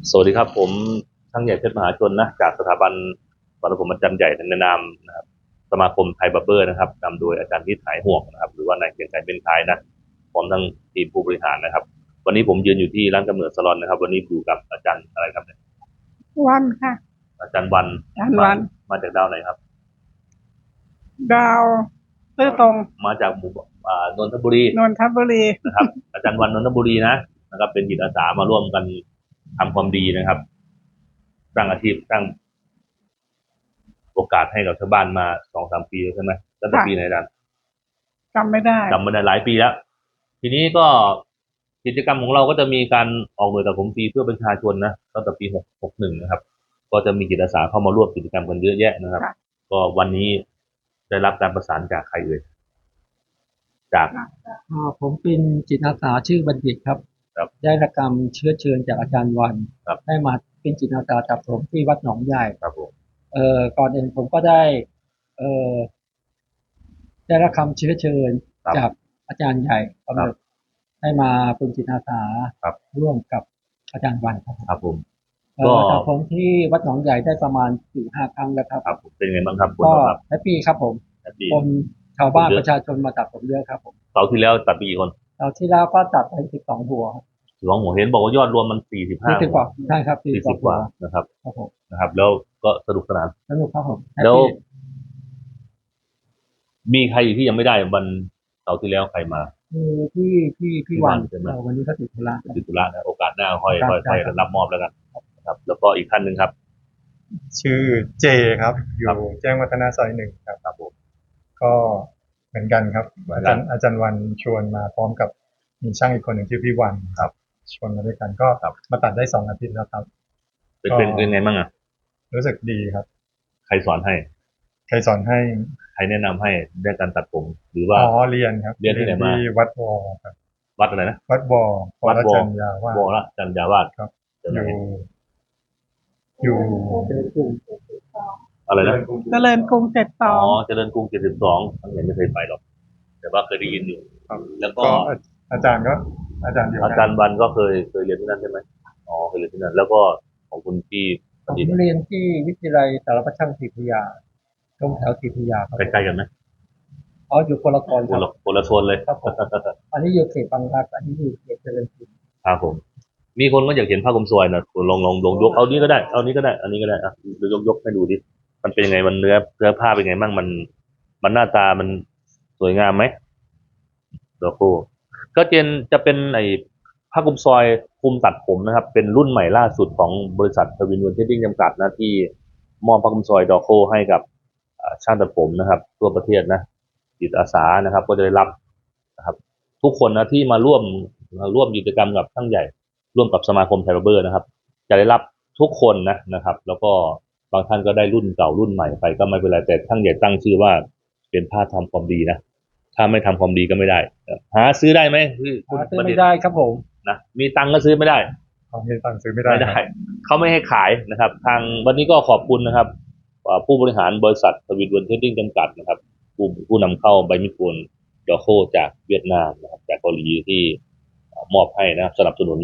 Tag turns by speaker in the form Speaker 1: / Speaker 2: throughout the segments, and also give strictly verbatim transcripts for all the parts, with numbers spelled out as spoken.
Speaker 1: สวัสดีครับผมช่างใหญ่เพชรมหาชนนะจากสถาบันวัฒนผมอาจารย์ใหญ่ในนามนะครับสมาคมไทยบาร์เบอร์นะครับนำโดยอาจารย์ที่หายห่วงนะครับหรือว่านายเกรียงไกรเป็นคายนะพร้อมทั้งทีมผู้บริหารนะครับวันนี้ผมยืนอยู่ที่ร้านกำเนิดสลอนนะครับวันนี้อยู่กับอาจารย์อะไรครับเนี่ย
Speaker 2: วันค่ะ
Speaker 1: อาจารย์วัน
Speaker 2: อาจารย์
Speaker 1: มา
Speaker 2: วัน
Speaker 1: มาจากดาวไหนครับ
Speaker 2: ดาวซื่อตรง
Speaker 1: มาจากหมู่อ่านนทบุรี
Speaker 2: นนทบุรี
Speaker 1: นะครับอาจารย์วันนนทบุรีนะนะครับเป็นจิตอาสามาร่วมกันทำความดีนะครับสร้างอาชีพสร้าง โอกาสให้กับชาวบ้านมาสองสามปีแล้วใช่ไหมตั้งแต่ปีไหนดัน
Speaker 2: จำไม่ได้
Speaker 1: จำมาได้หลายปีแล้วทีนี้ก็กิจกรรมของเราก็จะมีการออกหน่วยตัดผมฟรีเพื่อประชาชนนะตั้งแต่ปีหกหกหนึ่งนะครับก็จะมีจิตอาสาเข้ามาร่วมกิจกรรมกันเยอะแยะนะครับก็วันนี้ได้รับการประสานจากใครเอ่ยจาก
Speaker 3: อ่าผมเป็นจิตอาสาชื่อบัณฑิตครับ
Speaker 1: ครับ
Speaker 3: ได้รับการเชื้อเชิญจากอาจารย์วัน
Speaker 1: ครับ
Speaker 3: ได้มาเป็นจิตอาสาตัดผมที่วัดหนองใหญ่
Speaker 1: ครับผม
Speaker 3: เอ่อก่อนอื่นผมก็ได้เอ่อได้รับคำเชื้อเชิญจากอาจารย์ใหญ่กำหนดให้มาเป็นจิตอาสาร่วมกับอาจารย์วันครับ
Speaker 1: ครับผม
Speaker 3: เอ่อตัดผมที่วัดหนองใหญ่ได้ประมาณสี่ห้าครั้งแล้วครับ
Speaker 1: ครับเป็นไงบ้างครับ
Speaker 3: ก็แฮปปี้ครับผม
Speaker 1: แฮปปี้
Speaker 3: คนชาวบ้านประชาชนมาตัดผมเยอะครับผม
Speaker 1: เสาร์ที่แล้วตัดไปกี่คน
Speaker 3: เสาร์ที่แล้วก็ตัดไปสิบสองหัว
Speaker 1: สองหัวเห็นบอกว่ายอดรวมมันสี่สิบห้า
Speaker 3: สี่สิบกว่าใช่ครับ
Speaker 1: สี่สิบกว่านะครับ
Speaker 3: ครับผม
Speaker 1: นะครับแล้วก็สนุกสนาน
Speaker 3: สนุกครับผม
Speaker 1: แล้วมีใครอยู่ที่ยังไม่ได้วันเสาร์ที่แล้วใครมา
Speaker 3: คือพี่พี่พี่วันใช่ไหมวันนี้เขาติดธุระ
Speaker 1: ติดธุระนะโอกาสหน้าค่อยค่อยค่อยรับมอบแล้วกันครับแล้วก็อีกท่านหนึ่งครับ
Speaker 4: ชื่อเจครับอยู่แจ้งวัฒนะซอยหนึ่งครับ
Speaker 1: ครับผม
Speaker 4: ก็เหมือนกันครับอาจารย์อาจารย์วันชวนมาพร้อมกับมีช่างอีกคนหนึ่งชื่อพี่วัน
Speaker 1: ครับ
Speaker 4: ชวนมาด้วยกันก็มาตัดได้สองอาทิตย์แล้วครับ
Speaker 1: เป็นเป็นเป็นไงบ้างอ่ะ
Speaker 4: รู้สึกดีครับ
Speaker 1: ใครสอนให้
Speaker 4: ใครสอนให้
Speaker 1: ใครแนะนำให้ได้การตัดผมหรือว่า
Speaker 4: อ๋อเรียนครับ
Speaker 1: เรียนที่ไหนมา
Speaker 4: ที่วัดวอครับ
Speaker 1: วัดอะไรนะ
Speaker 4: วัดวอ
Speaker 1: วัดวอ
Speaker 4: จันยาวาส
Speaker 1: วอละจันยาวาส
Speaker 4: ครับอยู่อยู่
Speaker 1: อะไรนะ
Speaker 2: เจริญกรุงเจ็ดสอง
Speaker 1: อ๋อเจริญกรุงเจ็ดสิบสองทั้งเห็นไม่เคยไปหรอกแต่ว่าเคยได้ยินอยู่แล้วก็
Speaker 4: อาจารย์ก็อาจารย์เดียวกัน
Speaker 1: อาจารย์วันก็เคยเคยเรียนที่นั่นใช่ไหมอ๋อเคยเรียนที่นั่นแล้วก็ของคุณพี่
Speaker 3: ผมเรียนที่วิทยาลัยสารพัดช่างศรีพยาตรงแถวศรีพยาครับ
Speaker 1: ใกล้ๆกันไหม
Speaker 3: อ๋ออยู่คนละโซน
Speaker 1: คนละคนละโซนเลย
Speaker 3: ครับผมอันนี้อยู่เขตบางรักอันนี้อยู่เขตเจริญกรุง
Speaker 1: ครับผมมีคนก็อยากเห็นผ้ากลมซอยนะลองลองลองยกเอานี้ก็ได้เอานี้ก็ได้อันนี้ก็ได้อ่ะยกยกให้ดูดิมันเป็นยังไงมันเนื้อเนื้อผ้าเป็นไงบ้างมันมันหน้าตามันสวยงามไหมโลโก้ก็เจนจะเป็นไอ้ผ้ากลมซอยคุมตัดผมนะครับเป็นรุ่นใหม่ล่าสุดของบริษัททวินเวนเทดดิ้งจำกัดนะที่มอบผ้ากลมซอยดอโคให้กับช่างตัดผมนะครับทั่วประเทศนะจิตอาสานะครับก็จะได้รับนะครับทุกคนนะที่มาร่วมร่วมกิจกรรมกับช่างใหญ่ร่วมกับสมาคมไทยบาร์เบอร์นะครับจะได้รับทุกคนนะนะครับแล้วก็บางท่านก็ได้รุ่นเก่ารุ่นใหม่ไปก็ไม่เป็นไรแต่ช่างใหญ่ตั้งชื่อว่าเป็นผ้าทำความดีนะถ้าไม่ทำความดีก็ไม่ได้หาซื้อได้ไหม
Speaker 3: หาซื้อไม่ได้ครับผม
Speaker 1: นะมีตังก็ซื้อไม่ได้
Speaker 4: มีตังซื้อไม่ได้
Speaker 1: ไม่ได้เขาไม่ให้ขายนะครับทางวันนี้ก็ขอบคุณนะครับผู้บริหารบริษัททวินเวนเทดดิ้งจำกัดนะครับผู้ผู้นำเข้าใบมิปูนดอโคจากเวียดนามนะครับจากเกาหลีที่มอบให้นะครับสนับสนุน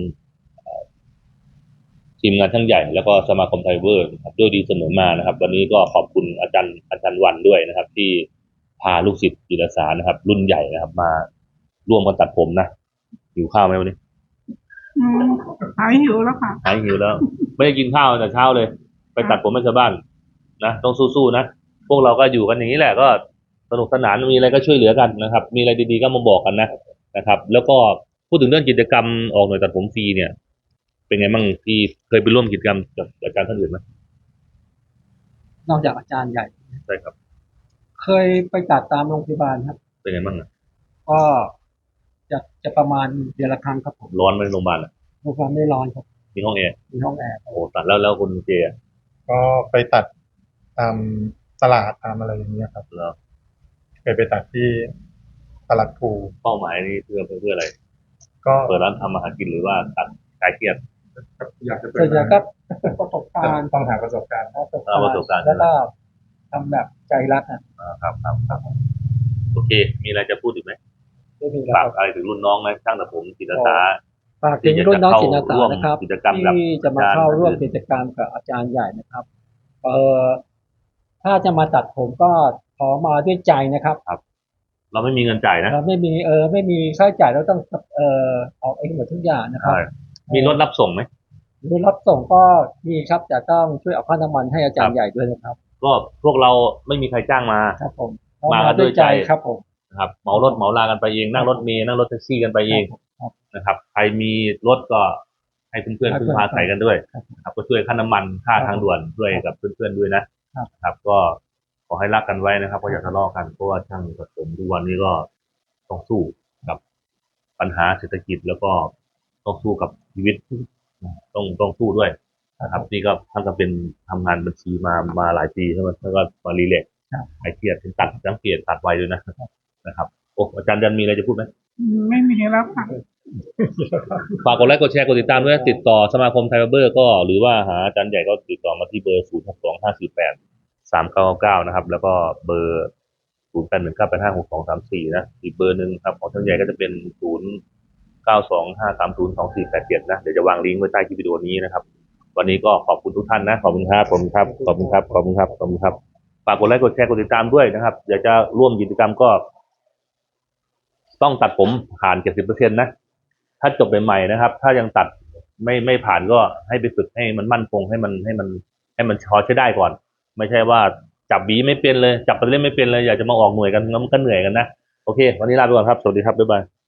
Speaker 1: ทีมงานทั้งใหญ่แล้วก็สมาคมไทเวอร์ครับด้วยดีเสมอมานะครับวันนี้ก็ขอบคุณอาจารย์อาจารย์วันด้วยนะครับที่พาลูกศิษย์จิตอาสานะครับรุ่นใหญ่นะครับมาร่วมกันตัดผมนะหิวข้าวไหมวันนี้
Speaker 2: หายหิวแล้วค่ะ
Speaker 1: หายหิวแล้วไม่ได้กินข้าวแต่เช้าเลยไปตัดผมให้ชาวบ้านนะต้องสู้ๆนะพวกเราก็อยู่กันอย่างนี้แหละก็สนุกสนานมีอะไรก็ช่วยเหลือกันนะครับมีอะไรดีๆก็มาบอกกันนะนะครับแล้วก็พูดถึงเรื่องกิจกรรมออกหน่วยตัดผมฟรีเนี่ยเป็นไงบ้างที่เคยไปร่วมกิจกรรมกับอาจารย์ท่านอื่นไหม
Speaker 3: นอกจากอาจารย์ใหญ่
Speaker 1: ใช่ครับ
Speaker 3: เคยไปตัดตามโรงพยาบาลครับ
Speaker 1: เป็นไงบ้างอ่ะ
Speaker 3: ก็จะจะประมาณเดือนละครั้งครับผม
Speaker 1: ร้อนไหมโรงพยาบาลอ่ะ
Speaker 3: โรงพยาบาลไม่ร้อนครับ
Speaker 1: มีห้องแอร์
Speaker 3: มีห้องแอร์
Speaker 1: โอ้ตัดแล้วแล้วคุณเจ
Speaker 4: ก็ไปตัดตามตลาดตามอะไรอย่างเงี้ยครับ
Speaker 1: แล้ว
Speaker 4: เคยไปตัดที่ตลาดภู
Speaker 1: เป้าหมายนี้เพื่อเพื่ออะไร
Speaker 4: ก็
Speaker 1: เปิดร้านทำอาหารกินหรือว่าตัดคลายเครียด
Speaker 4: อยากจะเปิ
Speaker 3: ดอยากก็ประสบการณ์
Speaker 4: ต้องหาประสบการณ์
Speaker 1: ประสบการณ์
Speaker 3: แล้วก็ทำแบบใจรักอ่ะ
Speaker 1: ครับครับครับโอเคมีอะไรจะพูดอีกไหม
Speaker 3: ไม่มี
Speaker 1: ฝากอะไรถึงรุ่นน้องไหมช่างตัดผมจิตอาสา
Speaker 3: ฝากถึงรุ่นน้องจิตอาสา
Speaker 1: ร่วม
Speaker 3: นะครับ
Speaker 1: กิจกรรมกับ
Speaker 3: ที่จะมา
Speaker 1: อาจารย์
Speaker 3: เข้าร่วมกิจกรรมกับอาจารย์ใหญ่นะครับ เอ่อถ้าจะมาตัดผมก็ขอมาด้วยใจนะครับ
Speaker 1: เราไม่มีเงินจ่ายนะ
Speaker 3: เราไม่มีเออไม่มีค่าใช้จ่ายเราต้องเอ่อออกเองหมดทุกอย่างนะครับ
Speaker 1: ใช่มีรถรับส่งไหม
Speaker 3: หรือรับส่งก็มีครับแต่ต้องช่วยเอาค่าน้ำมันให้อาจารย์ใหญ่ด้วยนะครับ
Speaker 1: ก็พวกเราไม่มีใครจ้างมา
Speaker 3: ครับผม
Speaker 1: มา
Speaker 3: มาด้วยใจ
Speaker 1: ด้วยใจ
Speaker 3: ครับผม
Speaker 1: นะครับเหมารถเหมาลากันไปเองนั่งรถเมล์นั่งรถแท็กซี่กันไปเอง
Speaker 3: ครับ
Speaker 1: นะครับ ใครมีรถก็ให้เพื่อนๆ
Speaker 3: ให้
Speaker 1: พึ่
Speaker 3: เพื่
Speaker 1: ง
Speaker 3: อน
Speaker 1: พาใส่กันด้วย
Speaker 3: ครับ
Speaker 1: นะครับก็ช่วยค่าน้ำมันค่า
Speaker 3: ครับ
Speaker 1: ทางด่วนช่วยกับเพื่อนๆด้วยนะครับ ครับ ก็ขอให้รักกันไว้นะครับก็อย่าทะเลาะกันเพราะว่าช่างตัดผมทุกวันนี้ก็ต้องสู้กับปัญหาเศรษฐกิจแล้วก็ต้องสู้กับชีวิตต้องต้องสู้ด้วยนะครับนี่ก็ท่านก็เป็นทำงานบัญชีมามาหลายปีใช่ไหมแล้วก็มารีเลกซ์
Speaker 3: ครับ
Speaker 1: ไอเครียดเป็นตัดสังเกตตัดไวด้วยนะนะครับโอ้อาจารย์ยันมีอะไรจะพูดไหม
Speaker 2: ไม่มีแล้วค่ะ
Speaker 1: ฝากกดไลค์กดแชร์กดติดตามด้วยนะติดต่อสมาคมไทยบาร์เบอร์ก็หรือว่าหาอาจารย์ใหญ่ก็ติดต่อมาที่เบอร์ศูนย์หกสองห้าสี่แปดสามเก้าเก้านะครับแล้วก็เบอร์ศูนย์แปดหนึ่งเก้าแปดห้าหกสองสามสี่นะอีกเบอร์หนึ่งครับของอาจารย์ใหญ่ก็จะเป็นศูนย์เก้าสองห้าสามศูนย์สองสี่แปดเจ็ดนะเดี๋ยวจะวางลิงก์ไว้ใต้คลิปวิดีโอนี้นะครับวันนี้ก็ขอบคุณทุกท่านนะขอบคุณครับขอบคุณครับขอบคุณครับขอบคุณครับขอบคุณครับฝากกดไลค์กดแชร์กดติดตามด้วยนะครับอยากจะร่วมกิจกรรมก็ ต้องตัดผมผ่าน เจ็ดสิบเปอร์เซ็นต์ นะ ถ้าจบใหม่ๆนะครับ ถ้ายังตัดไม่ไม่ผ่านก็ให้ไปฝึกให้มันมั่นคงให้มันให้มันให้มันพอใช้ได้ก่อน ไม่ใช่ว่าจับหวีไม่เป็นเลย จับไปเล่นไม่เป็นเลย อยากจะมาออกหน่วยกันงั้นมันก็เหนื่อยกันนะ โอเค วันนี้ลาไปก่อนครับ สวัสดีครับ บ๊ายบาย